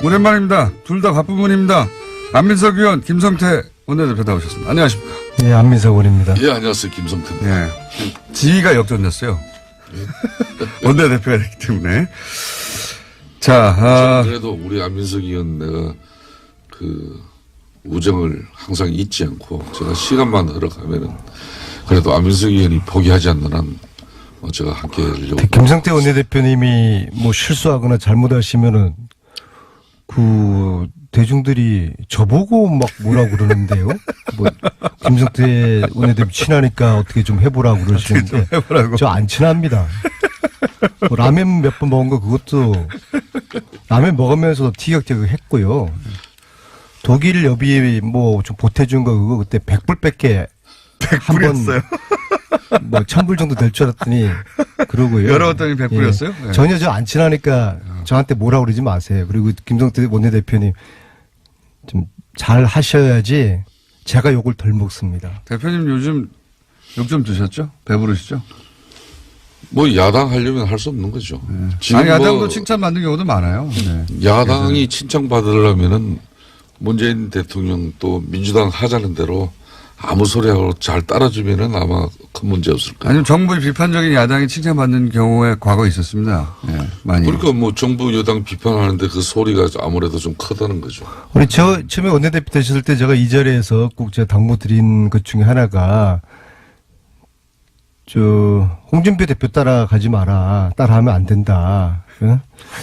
오랜만입니다. 둘 다 바쁜 분입니다. 안민석 의원, 김성태 원내대표 나오셨습니다. 안녕하십니까? 예, 안민석 의원입니다. 예, 안녕하세요. 김성태입니다. 예. 지위가 역전됐어요. 원내대표가 됐기 때문에. 자, 그래도 우리 안민석 의원 내가 그 우정을 항상 잊지 않고 제가 시간만 흘러가면은 그래도 안민석 의원이 포기하지 않는 한 제가 함께 하려고. 김성태 원내대표님이 뭐 실수하거나 잘못하시면은 그 대중들이 저보고 막 뭐라고 그러는데요. 뭐 김성태 원내대표 친하니까 어떻게 좀 해보라고 그러시는데 저 안 친합니다. 뭐 라면 몇 번 먹은 거 그것도 라면 먹으면서 티격태격 했고요. 독일 여비 뭐 좀 보태준 거 그거 그때 100불밖에 한번 뭐 1000불 정도 될 줄 알았더니 그러고요. 열어봤더니 100불이었어요? 예. 전혀 저 안 친하니까 저한테 뭐라 그러지 마세요. 그리고 김성태 원내대표님 좀 잘 하셔야지 제가 욕을 덜 먹습니다. 대표님 요즘 욕 좀 드셨죠? 배부르시죠? 뭐 야당 하려면 할 수 없는 거죠. 네. 지금 아니, 야당도 칭찬받는 경우도 많아요. 네. 야당이 칭찬받으려면은 문재인 대통령 또 민주당 하자는 대로 아무 소리하고 잘 따라주면은 아마 큰 문제 없을 거예요. 아니면 정부의 비판적인 야당이 칭찬받는 경우에 과거 있었습니다. 네, 많이. 그러니까 뭐 정부 여당 비판하는데 그 소리가 아무래도 좀 크다는 거죠. 우리 처음에 원내대표 되셨을 때 제가 이 자리에서 꼭 제가 당부 드린 것 중에 하나가 홍준표 대표 따라가지 마라. 따라하면 안 된다. 응?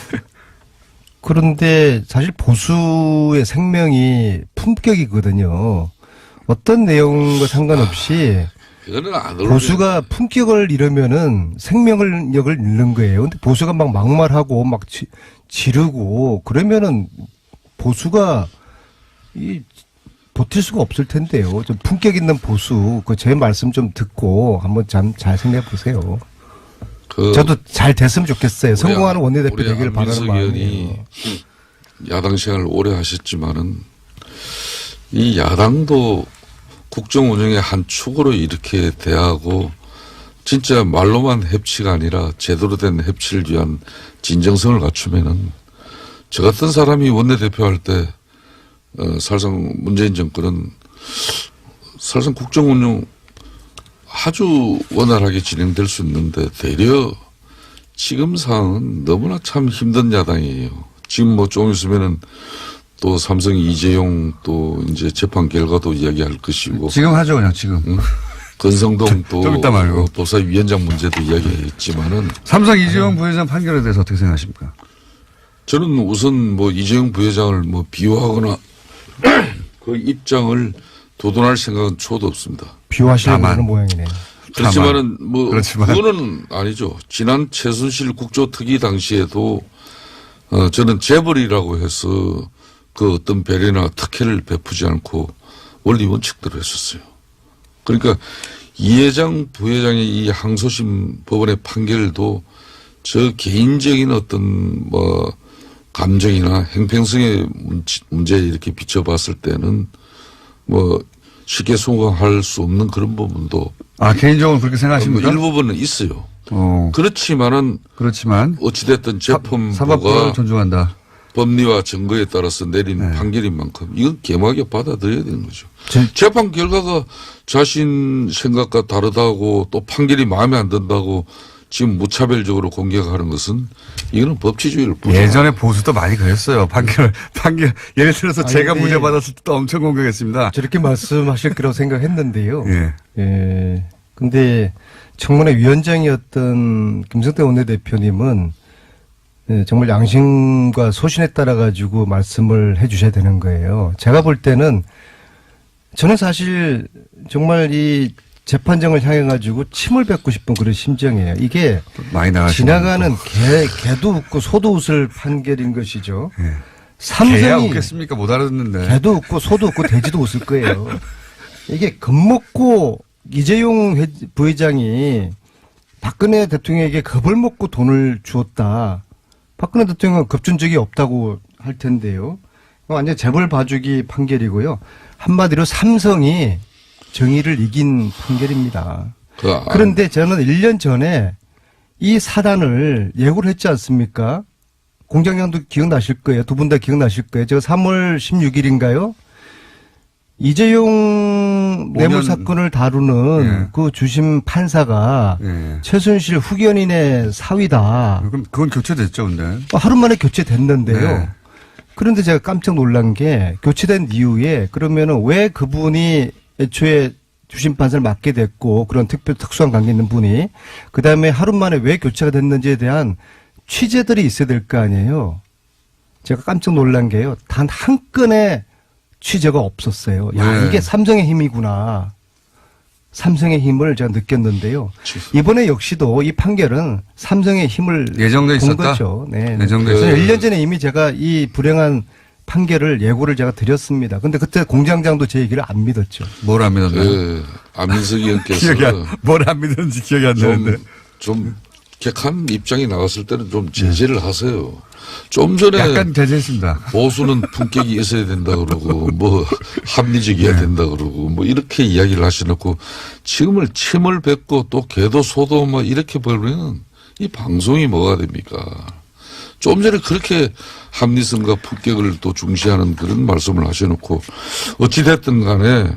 그런데 사실 보수의 생명이 품격이거든요. 어떤 내용과 상관없이 그거는 안 보수가 품격을 잃으면은 생명력을 잃는 거예요. 근데 보수가 막 막말하고 막 지르고 그러면은 보수가 버틸 수가 없을 텐데요. 좀 품격 있는 보수, 제 말씀 좀 듣고 한번 잘 생각해 보세요. 저도 잘 됐으면 좋겠어요. 성공하는 원내대표 되기를 바라는 마음이에요. 야당 생활을 오래 하셨지만은 이 야당도 국정 운영의 한 축으로 이렇게 대하고 진짜 말로만 협치가 아니라 제대로 된 협치를 위한 진정성을 갖추면은 저 같은 사람이 원내대표 할 때 사실상 문재인 정권은 사실상 국정 운영 아주 원활하게 진행될 수 있는데 되려 지금 상황은 너무나 참 힘든 야당이에요. 지금 뭐 좀 있으면은 또 삼성 이재용 또 이제 재판 결과도 이야기할 것이고. 지금 하죠, 그냥 지금. 응? 건성동 또 좀 이따 말고. 도사위원장 문제도 이야기했지만은. 삼성 이재용 부회장 판결에 대해서 어떻게 생각하십니까? 저는 우선 뭐 이재용 부회장을 뭐 비호하거나 그 입장을 도돈할 생각은 초도 없습니다. 비호하시려고 하는 모양이네요. 그렇지만은 그거는 아니죠. 지난 최순실 국조특위 당시에도 저는 재벌이라고 해서 그 어떤 배려나 특혜를 베푸지 않고 원리 원칙대로 했었어요. 그러니까 이 회장 부회장의 이 항소심 법원의 판결도 저 개인적인 어떤 뭐 감정이나 행평성의 문제에 이렇게 비춰봤을 때는 뭐 쉽게 수긍할 수 없는 그런 부분도 개인적으로 그렇게 생각하십니까? 일부분은 있어요. 그렇지만 어찌됐든 재판부가 사법부를 존중한다. 법리와 증거에 따라서 내린 판결인 만큼 이건 개막에 받아들여야 되는 거죠. 재판 결과가 자신 생각과 다르다고 또 판결이 마음에 안 든다고 지금 무차별적으로 공격하는 것은 이거는 법치주의를 예전에 보수도 많이 그랬어요. 판결 예를 들어서 제가 무죄 받았을 때도 엄청 공격했습니다. 저렇게 말씀하실 거라고 생각했는데요. 예. 근데 청문회 위원장이었던 김성태 원내대표님은 정말 양심과 소신에 따라 가지고 말씀을 해 주셔야 되는 거예요. 제가 볼 때는 저는 사실 정말 이 재판정을 향해 가지고 침을 뱉고 싶은 그런 심정이에요. 이게 많이 지나가는 개도 웃고 소도 웃을 판결인 것이죠. 예. 삼성이 개야 웃겠습니까? 못 알아듣는데. 개도 웃고 소도 웃고 돼지도 웃을 거예요. 이게 겁먹고 이재용 부회장이 박근혜 대통령에게 겁을 먹고 돈을 주었다. 박근혜 대통령은 겁준 적이 없다고 할 텐데요. 완전 재벌 봐주기 판결이고요. 한마디로 삼성이 정의를 이긴 판결입니다. 그런데 저는 1년 전에 이 사단을 예고를 했지 않습니까? 공장장도 기억나실 거예요. 두 분 다 기억나실 거예요. 제가 3월 16일인가요? 이재용 뇌물 5년. 사건을 다루는 예. 그 주심 판사가 예. 최순실 후견인의 사위다. 그럼 그건 교체됐죠, 근데. 하루 만에 교체됐는데요. 네. 그런데 제가 깜짝 놀란 게 교체된 이후에 그러면은 왜 그분이 애초에 주심 판사를 맡게 됐고 그런 특수한 관계 있는 분이 그다음에 하루 만에 왜 교체가 됐는지에 대한 취재들이 있어야 될 거 아니에요. 제가 깜짝 놀란 게요. 단 한 건의 취재가 없었어요. 야, 네. 이게 삼성의 힘이구나. 삼성의 힘을 제가 느꼈는데요. 이번에 역시도 이 판결은 삼성의 힘을 예정돼 본 있었다? 거죠. 네. 예정돼 그래서 있었다. 1년 전에 이미 제가 이 불행한 판결을 예고를 제가 드렸습니다. 근데 그때 공장장도 제 얘기를 안 믿었죠. 뭘 안 믿었나요? 그 안민석 의원께서 뭘 안 믿었는지 기억이 안 나는데. 좀 객한 입장이 나왔을 때는 좀 제재를 하세요. 좀 전에 약간 대제했습니다. 보수는 품격이 있어야 된다 그러고 뭐 합리적이어야 네. 된다 그러고 뭐 이렇게 이야기를 하셔놓고 지금을 침을 뱉고 또 개도 소도 뭐 이렇게 벌면 이 방송이 뭐가 됩니까? 좀 전에 그렇게 합리성과 품격을 또 중시하는 그런 말씀을 하셔놓고 어찌됐든 간에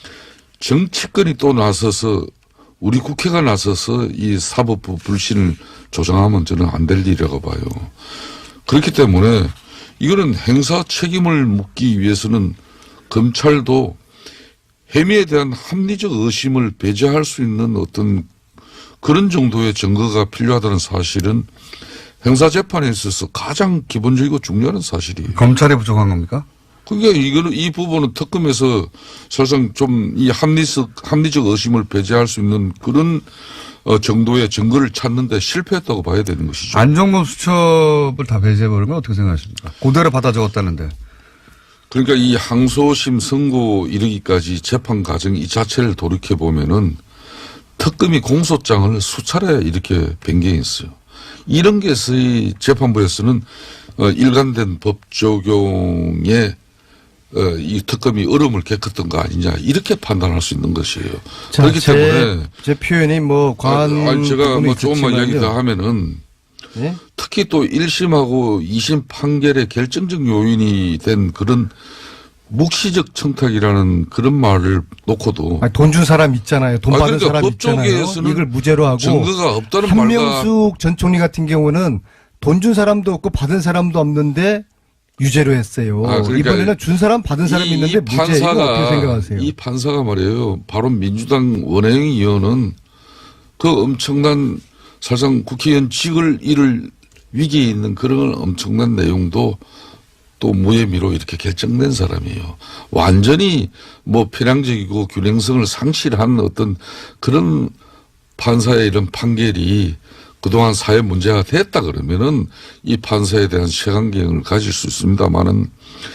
정치권이 또 나서서 우리 국회가 나서서 이 사법부 불신을 조장하면 저는 안 될 일이라고 봐요. 그렇기 때문에 이거는 행사 책임을 묻기 위해서는 검찰도 혐의에 대한 합리적 의심을 배제할 수 있는 어떤 그런 정도의 증거가 필요하다는 사실은 형사재판에 있어서 가장 기본적이고 중요한 사실이에요. 검찰이 부족한 겁니까? 그러니까 이거는 이 부분은 특검에서 사실상 좀 이 합리적 의심을 배제할 수 있는 그런 정도의 증거를 찾는데 실패했다고 봐야 되는 것이죠. 안종범 수첩을 다 배제해버리면 어떻게 생각하십니까? 그대로 받아 적었다는데. 그러니까 이 항소심 선고 이르기까지 재판 과정 이 자체를 돌이켜 보면은 특검이 공소장을 수차례 이렇게 변경했어요. 이런 것이 재판부에서는 일관된 법 적용에 이 특검이 얼음을 겪었던 거 아니냐 이렇게 판단할 수 있는 것이에요. 자, 그렇기 때문에 제 표현이 뭐 과한 제가 부분이 뭐 조금만 이야기 있었지만요. 더 하면은 예? 특히 또 1심하고 2심 판결의 결정적 요인이 된 그런 묵시적 청탁이라는 그런 말을 놓고도 돈 준 사람 있잖아요. 돈 받은 그러니까 사람 법 있잖아요. 쪽에서는 이걸 무죄로 하고 증거가 없다는 말과 한명숙 전 총리 같은 경우는 돈 준 사람도 없고 받은 사람도 없는데 유죄로 했어요. 그러니까 이번에는 준 사람 받은 사람이 있는데 무죄. 이거 어떻게 생각하세요? 이 판사가 말이에요. 바로 민주당 원혜영 의원은 그 엄청난 사실상 국회의원 직을 잃을 위기에 있는 그런 엄청난 내용도 또 무혐의로 이렇게 결정된 사람이에요. 완전히 뭐 편향적이고 균형성을 상실한 어떤 그런 판사의 이런 판결이 그동안 사회 문제가 됐다 그러면은 이 판사에 대한 색안경을 가질 수 있습니다만은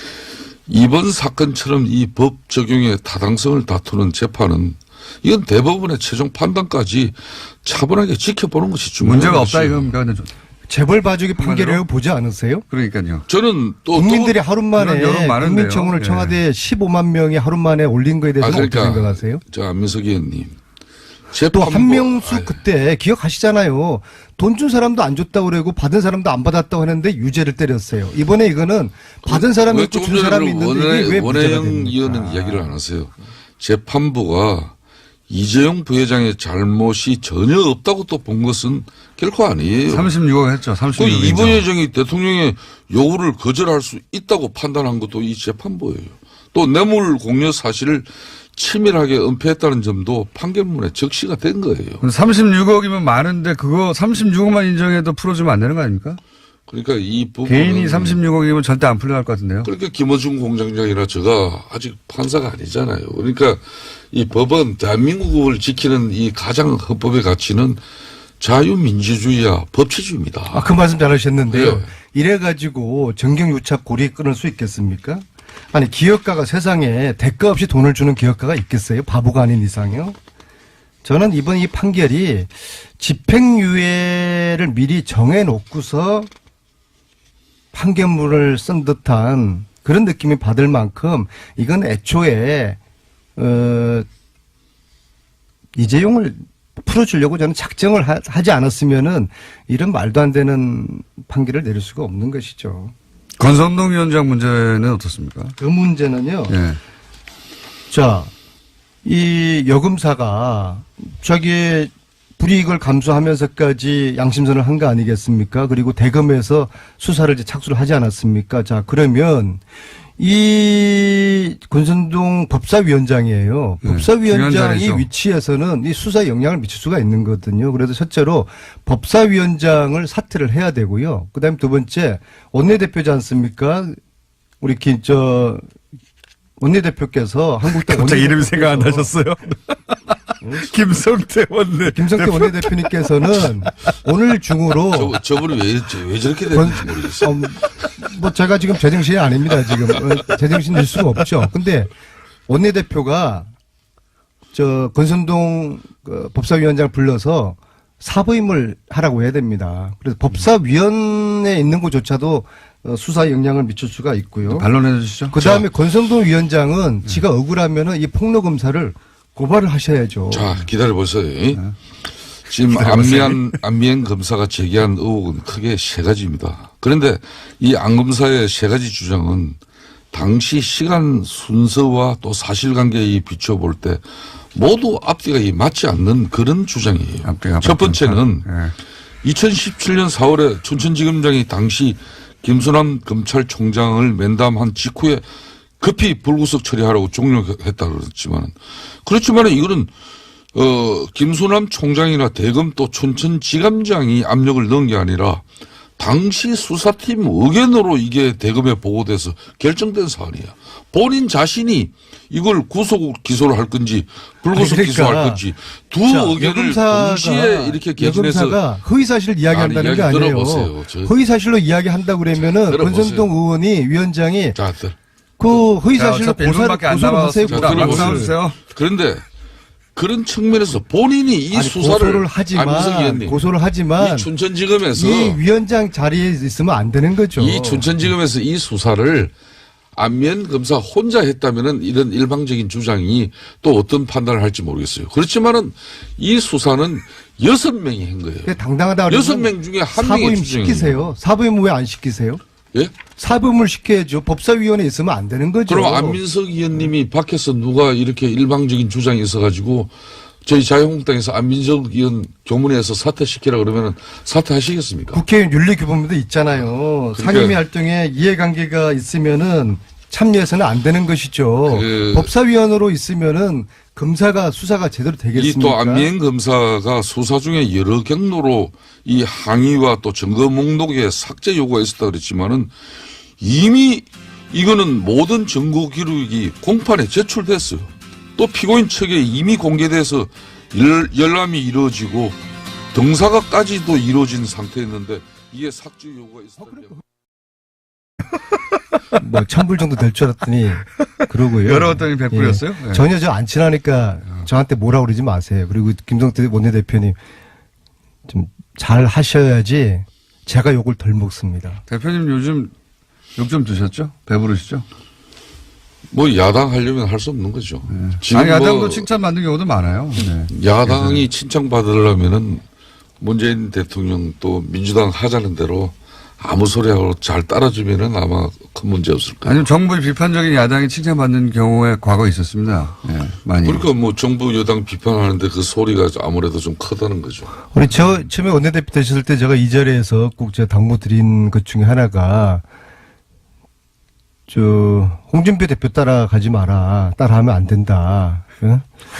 이번 사건처럼 이 법 적용의 타당성을 다투는 재판은 이건 대법원의 최종 판단까지 차분하게 지켜보는 것이 중요한 문제가 없다 것이에요. 이겁니까? 재벌 봐주기 판결이라고 보지 않으세요? 그러니까요. 저는 또 국민들이 하루 만에 그런 여론 많은데요. 국민청원을 예. 청와대에 15만 명이 하루 만에 올린 거에 대해서 그러니까 어떻게 생각하세요? 저 안민석 의원님 또 한명숙 그때 기억하시잖아요. 돈 준 사람도 안 줬다고 그러고 받은 사람도 안 받았다고 했는데 유죄를 때렸어요. 이번에 이거는 받은 사람이 있고 준 사람이 있는데 이게 왜 무죄가 원혜영 됩니까? 의원은 이야기를 안 하세요. 재판부가 이재용 부회장의 잘못이 전혀 없다고 또 본 것은 결코 아니에요. 36억 했죠. 36억. 그 이 부회장이 대통령의 요구를 거절할 수 있다고 판단한 것도 이 재판부예요. 또 뇌물 공여 사실을 치밀하게 은폐했다는 점도 판결문에 적시가 된 거예요. 36억이면 많은데 그거 36억만 인정해도 풀어주면 안 되는 거 아닙니까? 그러니까 이 부분 개인이 36억이면 절대 안 풀려날 것 같은데요. 그러니까 김어준 공장장이나 제가 아직 판사가 아니잖아요. 그러니까 이 법은 대한민국을 지키는 이 가장 헌법의 가치는 자유민주주의와 법치주의입니다. 그 말씀 잘하셨는데요. 네. 이래가지고 정경유착 고리 끊을 수 있겠습니까? 아니 기업가가 세상에 대가 없이 돈을 주는 기업가가 있겠어요? 바보가 아닌 이상요. 저는 이번 이 판결이 집행유예를 미리 정해놓고서 판결문을 쓴 듯한 그런 느낌이 받을 만큼 이건 애초에 이재용을 풀어주려고 저는 작정을 하지 않았으면은 이런 말도 안 되는 판결을 내릴 수가 없는 것이죠. 권성동 위원장 문제는 어떻습니까? 그 문제는요. 예. 자, 이 여금사가 자기의 불이익을 감수하면서까지 양심선을 한 거 아니겠습니까? 그리고 대검에서 수사를 이제 착수를 하지 않았습니까? 자, 그러면 이 권선동 법사위원장이에요. 네, 법사위원장이 중요한 자리죠. 위치에서는 이 수사에 영향을 미칠 수가 있는 거거든요. 그래서 첫째로 법사위원장을 사퇴를 해야 되고요. 그다음에 두 번째 원내대표지 않습니까? 우리 원내대표께서 한국당 갑자기 이름이 원내대표께서 생각 안 나셨어요? 김성태 원내. 김성태 원내대표님께서는 오늘 중으로 저분이 왜 저렇게 됐는지 모르겠어요. 뭐 제가 지금 제정신이 아닙니다. 지금 제정신일 수가 없죠. 근데 원내대표가 저 권선동 그 법사위원장을 불러서 사부임을 하라고 해야 됩니다. 그래서 법사위원회에 있는 것조차도 수사에 영향을 미칠 수가 있고요. 반론해 주시죠. 그 다음에 권성동 위원장은 지가 억울하면은 이 폭로 검사를 고발을 하셔야죠. 자, 기다려보세요. 네. 지금 안미연 검사가 제기한 의혹은 크게 세 가지입니다. 그런데 이 안 검사의 세 가지 주장은 당시 시간 순서와 또 사실관계에 비춰볼 때 모두 앞뒤가 맞지 않는 그런 주장이에요. 앞뒤가 첫 번째는 예. 2017년 4월에 춘천지검장이 당시 김순남 검찰총장을 면담한 직후에 급히 불구속 처리하라고 종료했다고 그랬지만 이거는 김순남 총장이나 대검 또 춘천지검장이 압력을 넣은 게 아니라 당시 수사팀 의견으로 이게 대검에 보고돼서 결정된 사안이야. 본인 자신이 이걸 구속 기소를 할 건지 불구속 기소할 건지 두 의견을 동시에 이렇게 개진해서 여검사가 허위사실을 이야기한다는 게 아니에요. 들어보세요. 허위사실로 이야기한다고 그러면은 들어보세요. 권선동 의원이 위원장이 자, 그 허위사실로 어차피 1분밖에 안 고소를 하세요. 자, 남았습니다. 들어보세요. 나와주세요. 그런데 그런 측면에서 본인이 이 아니, 수사를 고소를 하지만 이 춘천지검에서 이 위원장 자리에 있으면 안 되는 거죠. 이 춘천지검에서 이 수사를 안면 검사 혼자 했다면은 이런 일방적인 주장이 또 어떤 판단을 할지 모르겠어요. 그렇지만은 이 수사는 6명이 한 거예요. 당당하다. 6명 중에 한 명이 사부임 시키세요. 사부임 왜 안 시키세요? 예? 사부임을 시켜야죠. 법사위원회에 있으면 안 되는 거죠. 그럼 안민석 의원님이 밖에서 누가 이렇게 일방적인 주장이 있어가지고 저희 자유한국당에서 안민석 의원 교문에서 사퇴시키라 그러면은 사퇴하시겠습니까? 국회의원 윤리규범도 있잖아요. 그러니까 상임위 활동에 이해관계가 있으면은 참여해서는 안 되는 것이죠. 법사위원으로 있으면은 검사가 수사가 제대로 되겠습니까? 이 또 안미행 검사가 수사 중에 여러 경로로 이 항의와 또 증거 목록에 삭제 요구가 있었다 그랬지만은 이미 이거는 모든 증거 기록이 공판에 제출됐어요. 또 피고인 측에 이미 공개돼서 열람이 이루어지고 등사가까지도 이루어진 상태였는데 이게 삭제 요구가 있었다. 뭐 천불 정도 될 줄 알았더니 그러고요. 열어봤더니 100불이었어요? 예. 전혀 저 안 친하니까 저한테 뭐라 그러지 마세요. 그리고 김성태 원내대표님 좀 잘 하셔야지 제가 욕을 덜 먹습니다. 대표님 요즘 욕 좀 드셨죠? 배부르시죠? 뭐 야당 하려면 할 수 없는 거죠. 지금 아니, 야당도 칭찬받는 경우도 많아요. 네. 야당이 칭찬받으려면은 문재인 대통령 또 민주당 하자는 대로 아무 소리하고 잘 따라주면은 아마 큰 문제 없을 거예요. 아니면 정부의 비판적인 야당이 칭찬받는 경우에 과거 있었습니다. 네, 많이. 그러니까 뭐 정부 여당 비판하는데 그 소리가 아무래도 좀 크다는 거죠. 우리 처음에 원내대표 되셨을 때 제가 이 자리에서 꼭 제가 당부 드린 것 중에 하나가 홍준표 대표 따라가지 마라. 따라하면 안 된다. 응?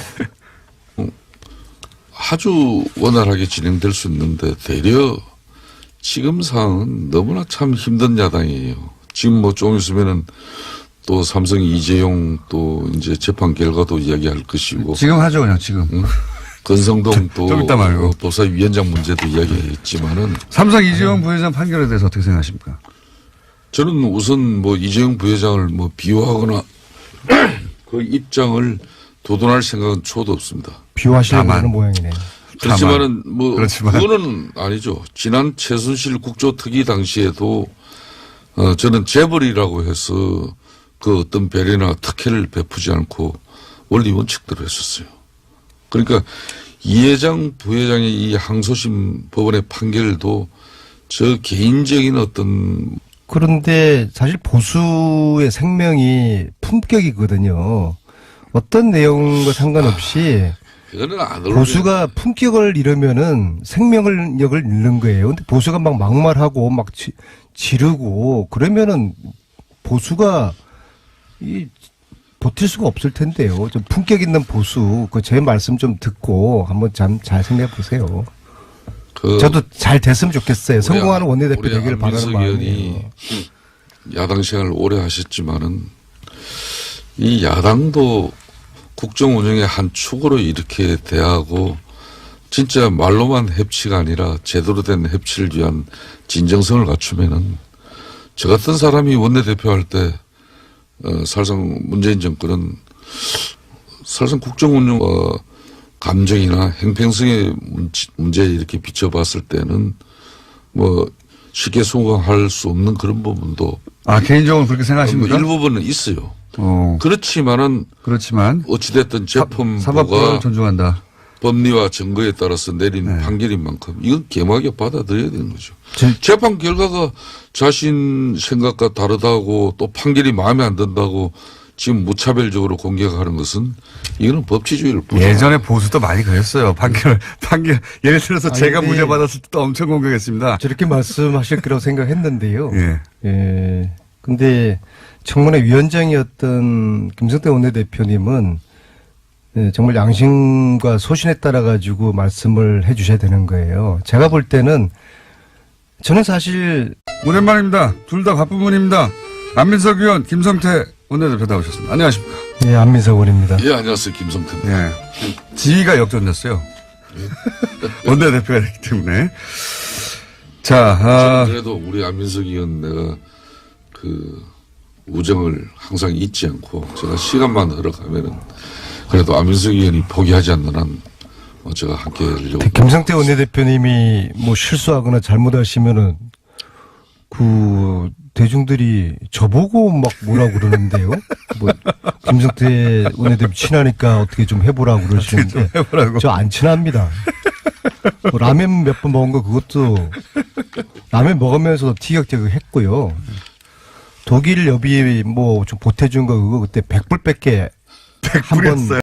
아주 원활하게 진행될 수 있는데 되려 지금 상황은 너무나 참 힘든 야당이에요. 지금 뭐 좀 있으면은 또 삼성 이재용 또 이제 재판 결과도 이야기할 것이고. 지금 하죠, 그냥 지금. 권성동 또 좀 이따 말고. 법사위원장 문제도 이야기했지만은. 삼성 이재용 부회장 판결에 대해서 어떻게 생각하십니까? 저는 우선 뭐 이재용 부회장을 뭐 비호하거나 그 입장을 도돈할 생각은 초도 없습니다. 비호하시려고 하는 모양이네요. 그렇지만은 뭐 그렇지만. 그거는 아니죠. 지난 최순실 국조특위 당시에도 저는 재벌이라고 해서 그 어떤 배려나 특혜를 베푸지 않고 원리 원칙대로 했었어요. 그러니까 이 회장, 부회장의 이 항소심 법원의 판결도 저 개인적인 어떤 그런데 사실 보수의 생명이 품격이거든요. 어떤 내용과 상관없이 그거는 안 어울려요. 보수가 품격을 잃으면은 생명력을 잃는 거예요. 근데 보수가 막 막말하고 막 지르고 그러면은 보수가 버틸 수가 없을 텐데요. 좀 품격 있는 보수, 그 제 말씀 좀 듣고 한번 잘 생각해 보세요. 저도 잘 됐으면 좋겠어요. 성공하는 원내대표 되기를 바라는 마음이에요. 야당 생활을 오래 하셨지만은 이 야당도 국정 운영의 한 축으로 이렇게 대하고 진짜 말로만 협치가 아니라 제대로 된 협치를 위한 진정성을 갖추면은 저 같은 사람이 원내대표 할 때 사실상 문재인 정권은 사실상 국정 운영과 감정이나 행평성의 문제에 이렇게 비춰봤을 때는 뭐 쉽게 수긍할 수 없는 그런 부분도 개인적으로 그렇게 생각하십니까? 일부분은 있어요. 그렇지만 어찌됐든 재판부가 사법부를 존중한다. 법리와 증거에 따라서 내린 판결인 만큼 이건 개막에 받아들여야 되는 거죠. 재판 결과가 자신 생각과 다르다고 또 판결이 마음에 안 든다고 지금 무차별적으로 공격하는 것은 이거는 법치주의를 예전에 보수도 많이 그랬어요. 판결 예를 들어서 제가 무죄 받았을 때도 엄청 공격했습니다. 저렇게 말씀하실 거라고 생각했는데요. 예. 근데 청문회 위원장이었던 김성태 원내대표님은 정말 양심과 소신에 따라 가지고 말씀을 해 주셔야 되는 거예요. 제가 볼 때는 저는 사실 오랜만입니다. 둘 다 바쁜 분입니다. 안민석 의원, 김성태 원내대표 나오셨습니다. 안녕하십니까? 예, 안민석 의원입니다. 예, 안녕하세요. 김성태입니다. 예. 지위가 역전됐어요. 원내대표가 됐기 때문에. 자, 그래도 우리 안민석 의원 내가 그 우정을 항상 잊지 않고 제가 시간만 흘러가면은 그래도 안민석 의원이 포기하지 않는 한 제가 함께 하려고. 김성태 원내대표님이 뭐 실수하거나 잘못하시면은 그 대중들이 저보고 막 뭐라고 그러는데요. 뭐 김성태 원내대표 친하니까 어떻게 좀 해보라고 그러시는데 저 안 친합니다. 뭐 라면 몇 번 먹은 거 그것도 라면 먹으면서도 티격태격 했고요. 독일 여비 뭐 좀 보태준 거 그거 그때 100불밖에 100불 했어요.